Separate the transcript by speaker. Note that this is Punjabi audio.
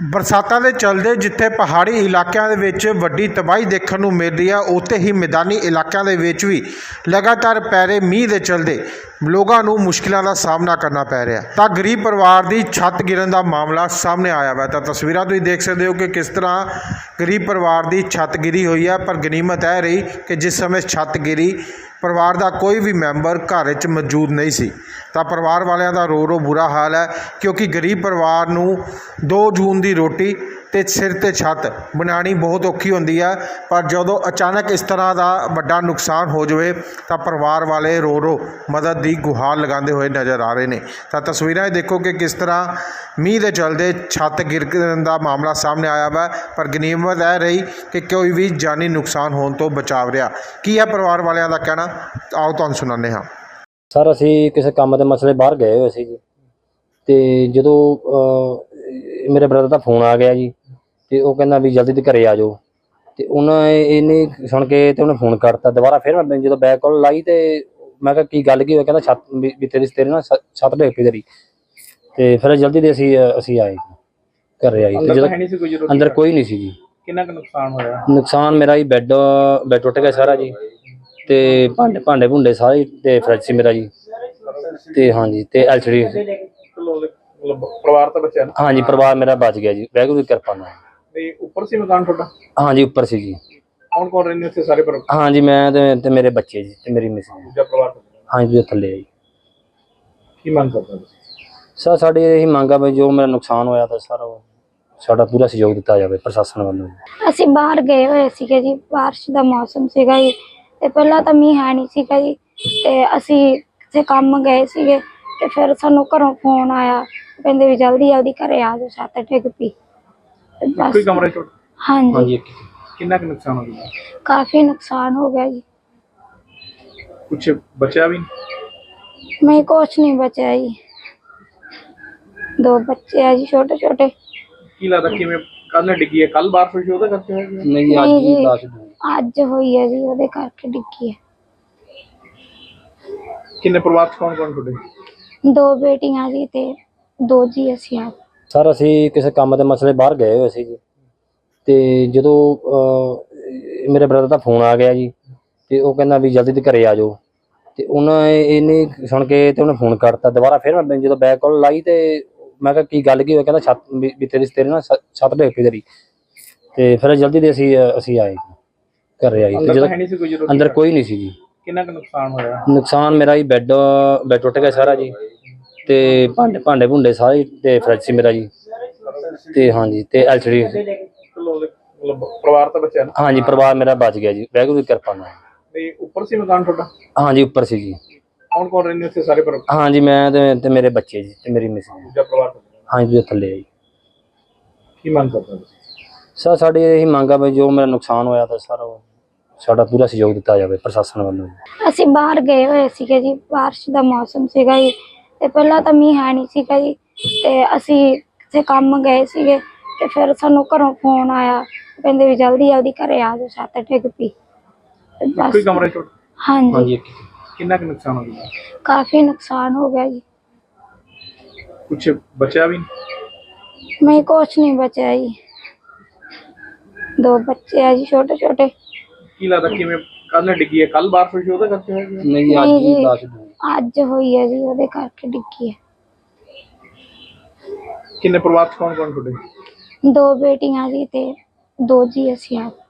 Speaker 1: ਬਰਸਾਤਾਂ ਦੇ ਚਲਦੇ ਜਿੱਥੇ ਪਹਾੜੀ ਇਲਾਕਿਆਂ ਦੇ ਵਿੱਚ ਵੱਡੀ ਤਬਾਹੀ ਦੇਖਣ ਨੂੰ ਮਿਲ ਰਹੀ ਹੈ, ਉੱਥੇ ਹੀ ਮੈਦਾਨੀ ਇਲਾਕਿਆਂ ਦੇ ਵਿੱਚ ਵੀ ਲਗਾਤਾਰ ਪੈ ਰਹੇ ਮੀਂਹ ਦੇ ਚਲਦੇ ਲੋਕਾਂ ਨੂੰ ਮੁਸ਼ਕਿਲਾਂ ਦਾ ਸਾਹਮਣਾ ਕਰਨਾ ਪੈ ਰਿਹਾ। ਤਾਂ ਗਰੀਬ ਪਰਿਵਾਰ ਦੀ ਛੱਤ ਗਿਰਨ ਦਾ ਮਾਮਲਾ ਸਾਹਮਣੇ ਆਇਆ ਵਾ। ਤਾਂ ਤਸਵੀਰਾਂ ਤੁਸੀਂ ਦੇਖ ਸਕਦੇ ਹੋ ਕਿ ਕਿਸ ਤਰ੍ਹਾਂ ਗਰੀਬ ਪਰਿਵਾਰ ਦੀ ਛੱਤ ਗਿਰੀ ਹੋਈ ਹੈ। ਪਰ ਗਨੀਮਤ ਇਹ ਰਹੀ ਕਿ ਜਿਸ ਸਮੇਂ ਛੱਤ ਗਿਰੀ ਪਰਿਵਾਰ ਦਾ ਕੋਈ ਵੀ ਮੈਂਬਰ ਘਰ ਵਿੱਚ ਮੌਜੂਦ ਨਹੀਂ ਸੀ। ਤਾਂ ਪਰਿਵਾਰ ਵਾਲਿਆਂ ਦਾ ਰੋ ਬੁਰਾ ਹਾਲ ਹੈ, ਕਿਉਂਕਿ ਗਰੀਬ ਪਰਿਵਾਰ ਨੂੰ 2 ਜੂਨ ਦੀ ਰੋਟੀ ਤੇ ਸਿਰ ਤੇ ਛੱਤ ਬਣਾਉਣੀ ਬਹੁਤ ਔਖੀ ਹੁੰਦੀ ਹੈ। ਪਰ ਜਦੋਂ ਅਚਾਨਕ ਇਸ ਤਰ੍ਹਾਂ ਦਾ ਵੱਡਾ ਨੁਕਸਾਨ ਹੋ ਜਾਵੇ ਤਾਂ ਪਰਿਵਾਰ ਵਾਲੇ ਰੋ ਮਦਦ ਦੀ ਗੁਹਾਰ ਲਗਾਉਂਦੇ ਹੋਏ ਨਜ਼ਰ ਆ ਰਹੇ ਨੇ। ਤਾਂ ਤਸਵੀਰਾਂ ਦੇਖੋ ਕਿ ਕਿਸ ਤਰ੍ਹਾਂ ਮੀਂਹ ਦੇ ਚਲਦੇ ਛੱਤ ਗਿਰਨ ਦਾ ਮਾਮਲਾ ਸਾਹਮਣੇ ਆਇਆ ਵਾ। ਪਰ ਗਨੀਮਤ ਇਹ ਰਹੀ ਕਿ ਕੋਈ ਵੀ ਜਾਨੀ ਨੁਕਸਾਨ ਹੋਣ ਤੋਂ ਬਚਾਵ ਰਿਹਾ। ਕੀ ਹੈ ਪਰਿਵਾਰ ਵਾਲਿਆਂ ਦਾ ਕਹਿਣਾ, ਆਓ ਤੁਹਾਨੂੰ ਸੁਣਾਉਂਦੇ ਹਾਂ।
Speaker 2: ਸਰ ਅਸੀਂ ਕਿਸੇ ਕੰਮ ਦੇ ਮਸਲੇ ਬਾਹਰ ਗਏ ਹੋਏ ਸੀ ਜੀ, ਤੇ ਜਦੋਂ ਮੇਰੇ ਬ੍ਰਦਰ ਦਾ ਫੋਨ ਆ ਗਿਆ ਜੀ, ਤੇ ਉਹ ਕਹਿੰਦਾ ਵੀ ਜਲਦੀ ਤੇ ਘਰੇ ਆ ਜਾਓ। ਤੇ ਉਹਨਾਂ ਇਹਨੇ ਸੁਣ ਕੇ ਤੇ ਉਹਨੇ ਫੋਨ ਕਰਤਾ ਦੁਬਾਰਾ। ਫਿਰ ਮੈਂ ਜਦੋਂ ਬੈਕ ਕਾਲ ਲਾਈ ਤੇ ਮੈਂ ਕਿਹਾ ਕੀ ਗੱਲ ਕੀ ਹੋਇਆ, ਕਹਿੰਦਾ ਛੱਤ ਵੀ ਤੇਰੇ ਨਾਲ ਛੱਤ ਡਿੱਗ ਪਈ ਤੇਰੀ। ਤੇ ਫਿਰ ਜਲਦੀ ਦੇ ਅਸੀਂ ਆਏ ਘਰੇ ਆਏ। ਤੇ ਜਦੋਂ ਅੰਦਰ ਕੋਈ ਨਹੀਂ ਸੀ ਜੀ।
Speaker 3: ਕਿੰਨਾ ਕੁ ਨੁਕਸਾਨ ਹੋਇਆ?
Speaker 2: ਨੁਕਸਾਨ ਮੇਰਾ ਜੀ ਬੈੱਡ ਟੁੱਟ ਗਿਆ ਸਾਰਾ ਜੀ, ਤੇ ਭਾਂਡੇ ਭੁੰਡੇ ਸਾਰੇ, ਤੇ ਫਰਿੱਜ ਸੀ ਮੇਰਾ ਜੀ, ਤੇ ਹਾਂਜੀ ਤੇ LCD।
Speaker 3: ਪਰਿਵਾਰ ਤਾਂ ਬਚਿਆ ਨਾ?
Speaker 2: ਹਾਂਜੀ ਪਰਿਵਾਰ ਮੇਰਾ ਬਚ ਗਿਆ ਜੀ, ਵਾਹਿਗੁਰੂ ਦੀ ਕਿਰਪਾ ਨਾਲ।
Speaker 3: ਤੇ ਉੱਪਰ ਸੀ ਮਕਾਨ ਤੁਹਾਡਾ?
Speaker 2: ਹਾਂਜੀ ਉੱਪਰ ਸੀ ਜੀ।
Speaker 3: ਕੌਣ ਕੌਣ ਰਹਿੰਦੇ ਉੱਥੇ ਸਾਰੇ ਪਰਿਵਾਰ?
Speaker 2: ਹਾਂਜੀ ਮੈਂ ਤੇ ਮੇਰੇ ਬੱਚੇ ਜੀ ਤੇ ਮੇਰੀ ਮਿਸਿਸ।
Speaker 3: ਦੂਜਾ ਪਰਿਵਾਰ
Speaker 2: ਹਾਂਜੀ ਉਹ ਥੱਲੇ ਆ ਜੀ।
Speaker 3: ਕੀ ਮੰਗ ਕਰਦਾ ਤੁਸੀਂ?
Speaker 2: ਸਰ ਸਾਡੀ ਇਹੀ ਮੰਗ ਆ ਵੀ ਜੋ ਮੇਰਾ ਨੁਕਸਾਨ ਹੋਇਆ ਤਾਂ ਸਰ ਸਾਡਾ ਪੂਰਾ ਸਹਿਯੋਗ ਦਿੱਤਾ ਜਾਵੇ ਪ੍ਰਸ਼ਾਸਨ ਵੱਲੋਂ।
Speaker 4: ਅਸੀਂ ਬਾਹਰ ਗਏ ਹੋਏ ਸੀਗੇ ਜੀ, ਬਾਰਿਸ਼ ਦਾ ਮੌਸਮ ਸੀਗਾ ਜੀ, ਤੇ ਪਹਿਲਾਂ ਤਾਂ ਮੀਂਹ ਹੈ ਨਹੀਂ ਸੀਗਾ ਜੀ, ਤੇ ਅਸੀਂ ਕਿਸੇ ਕੰਮ ਗਏ ਸੀਗੇ, ਤੇ ਫਿਰ ਸਾਨੂੰ ਘਰੋਂ ਫੋਨ ਆਇਆ, ਕਹਿੰਦੇ ਵੀ ਜਲਦੀ ਘਰੇ ਆ ਜਾਓ, ਛੱਤ ਡਿੱਗ ਪਈ।
Speaker 3: ਕੋਈ ਕਮਰੇ ਟੁੱਟ?
Speaker 4: ਹਾਂਜੀ।
Speaker 3: ਕਿੰਨਾ ਕੁ ਨੁਕਸਾਨ ਹੋ ਗਿਆ?
Speaker 4: ਕਾਫੀ ਨੁਕਸਾਨ ਹੋ ਗਿਆ ਜੀ।
Speaker 3: ਕੁਛ ਬਚਿਆ ਵੀ?
Speaker 4: ਨਹੀਂ ਕੁਛ ਨਹੀਂ ਬਚਿਆ ਜੀ। 2 ਬੱਚੇ ਆ ਜੀ ਛੋਟੇ ਛੋਟੇ।
Speaker 3: ਕੀ ਲੱਗਦਾ ਕਿਵੇਂ ਕੱਲ ਡਿੱਗੀ ਹੈ? ਕੱਲ ਬਾਰਿਸ਼ ਹੋਈ ਉਹਦੇ ਕਰਕੇ ਹੋਇਆ?
Speaker 2: ਨਹੀਂ
Speaker 4: ਅੱਜ ਹੋਈ ਹੈ ਜੀ, ਉਹਦੇ ਕਰਕੇ ਡਿੱਗੀ ਹੈ।
Speaker 3: ਕਿੰਨੇ ਪਰਿਵਾਰ ਚ ਕੌਣ ਕੌਣ ਤੁਹਾਡੇ?
Speaker 4: 2 ਬੇਟੀਆਂ ਜੀ ਤੇ 2 ਜੀ ਅਸੀਂ ਆ।
Speaker 2: ਸਰ ਅਸੀਂ ਕਿਸੇ ਕੰਮ ਦੇ ਮਸਲੇ ਬਾਹਰ ਗਏ ਹੋਏ ਸੀ ਜੀ, ਤੇ ਜਦੋਂ ਮੇਰੇ ਬ੍ਰਦਰ ਦਾ ਫੋਨ ਆ ਗਿਆ ਜੀ, ਤੇ ਉਹ ਕਹਿੰਦਾ ਵੀ ਜਲਦੀ ਤੇ ਘਰੇ ਆ ਜਾਓ। ਤੇ ਇਹਨੇ ਸੁਣ ਕੇ ਤੇ ਉਹਨੇ ਫੋਨ ਕਰਤਾ ਦੁਬਾਰਾ। ਫਿਰ ਮੈਂ ਜਦੋਂ ਬੈਕ ਕਾਲ ਲਾਈ ਤੇ ਮੈਂ ਕਿਹਾ ਕੀ ਗੱਲ ਕੀ ਹੋਇਆ, ਕਹਿੰਦਾ ਛੱਤ ਵੀ ਤੇਰੇ ਨਾਲ ਛੱਤ ਡਿੱਗ ਪਈ ਤੇਰੀ। ਤੇ ਫਿਰ ਜਲਦੀ ਦੇ ਅਸੀਂ ਆਏ ਘਰੇ ਆਏ। ਤੇ ਜਦੋਂ ਅੰਦਰ ਕੋਈ ਨਹੀਂ ਸੀ ਜੀ।
Speaker 3: ਕਿੰਨਾ ਕੁ ਨੁਕਸਾਨ ਹੋਇਆ?
Speaker 2: ਨੁਕਸਾਨ ਮੇਰਾ ਜੀ ਬੈੱਡ ਟੁੱਟ ਗਿਆ ਸਾਰਾ ਜੀ, ਤੇ ਭਾਂਡੇ ਭੁੰਡੇ ਸਾਰੇ, ਤੇ ਫਰਿੱਜ ਸੀ ਮੇਰਾ ਜੀ, ਤੇ ਹਾਂਜੀ ਤੇ LCD।
Speaker 3: ਪਰਿਵਾਰ ਤਾਂ ਬਚਿਆ ਨਾ?
Speaker 2: ਹਾਂਜੀ ਪਰਿਵਾਰ ਮੇਰਾ ਬਚ ਗਿਆ ਜੀ, ਵਾਹਿਗੁਰੂ ਦੀ ਕਿਰਪਾ ਨਾਲ।
Speaker 3: ਤੇ ਉੱਪਰ ਸੀ ਮਕਾਨ ਤੁਹਾਡਾ?
Speaker 2: ਹਾਂਜੀ ਉੱਪਰ ਸੀ ਜੀ।
Speaker 3: ਕੌਣ ਕੌਣ ਰਹਿੰਦੇ ਉੱਥੇ ਸਾਰੇ ਪਰਿਵਾਰ?
Speaker 2: ਹਾਂਜੀ ਮੈਂ ਤੇ ਮੇਰੇ ਬੱਚੇ ਜੀ ਤੇ ਮੇਰੀ ਮਿਸਿਸ।
Speaker 3: ਦੂਜਾ ਪਰਿਵਾਰ?
Speaker 2: ਹਾਂਜੀ ਉਹ ਥੱਲੇ ਆ ਜੀ।
Speaker 3: ਕੀ ਮੰਗ ਕਰਦਾ ਤੁਸੀਂ?
Speaker 2: ਸਰ ਸਾਡੀ ਇਹੀ ਮੰਗ ਆ ਵੀ ਜੋ ਮੇਰਾ ਨੁਕਸਾਨ ਹੋਇਆ ਤਾਂ ਸਰ ਸਾਡਾ ਪੂਰਾ ਸਹਿਯੋਗ ਦਿੱਤਾ ਜਾਵੇ ਪ੍ਰਸ਼ਾਸਨ ਵੱਲੋਂ।
Speaker 4: ਅਸੀਂ ਬਾਹਰ ਗਏ ਹੋਏ ਸੀਗੇ ਜੀ, ਬਾਰਿਸ਼ ਦਾ ਮੌਸਮ ਸੀਗਾ ਜੀ, ਤੇ ਪਹਿਲਾਂ ਤਾਂ ਮੀਂਹ ਹੈ ਨਹੀਂ ਸੀਗਾ ਜੀ, ਤੇ ਅਸੀਂ ਕਿਸੇ ਕੰਮ ਗਏ ਸੀਗੇ, ਤੇ ਫਿਰ ਸਾਨੂੰ ਘਰੋਂ ਫੋਨ ਆਇਆ, ਕਹਿੰਦੇ ਵੀ ਜਲਦੀ ਘਰੇ ਆ ਜਾਓ, ਛੱਤ ਡਿੱਗ ਪਈ।
Speaker 3: ਕੋਈ ਕਮਰੇ ਟੁੱਟ?
Speaker 4: ਹਾਂਜੀ।
Speaker 3: ਕਿੰਨਾ ਕੁ ਨੁਕਸਾਨ ਹੋ ਗਿਆ?
Speaker 4: ਕਾਫੀ ਨੁਕਸਾਨ ਹੋ ਗਿਆ ਜੀ।
Speaker 3: ਕੁਛ ਬਚਿਆ ਵੀ?
Speaker 4: ਨਹੀਂ ਕੁਛ ਨਹੀਂ ਬਚਿਆ ਜੀ। 2 ਬੱਚੇ ਆ ਜੀ ਛੋਟੇ ਛੋਟੇ।
Speaker 3: ਕੀ ਲੱਗਦਾ ਕਿਵੇਂ ਕੱਲ ਡਿੱਗੀ ਹੈ? ਕੱਲ ਬਾਰਿਸ਼ ਹੋਈ ਉਹਦੇ ਕਰਕੇ ਹੋਇਆ?
Speaker 2: ਨਹੀਂ
Speaker 4: ਅੱਜ ਹੋਈ ਹੈ ਜੀ, ਉਹਦੇ ਕਰਕੇ ਡਿੱਗੀ ਹੈ।
Speaker 3: ਕਿੰਨੇ ਪਰਿਵਾਰ ਚ ਕੌਣ ਕੌਣ ਤੁਹਾਡੇ?
Speaker 4: 2 ਬੇਟੀਆਂ ਜੀ ਤੇ 2 ਜੀ ਅਸੀਂ ਆ।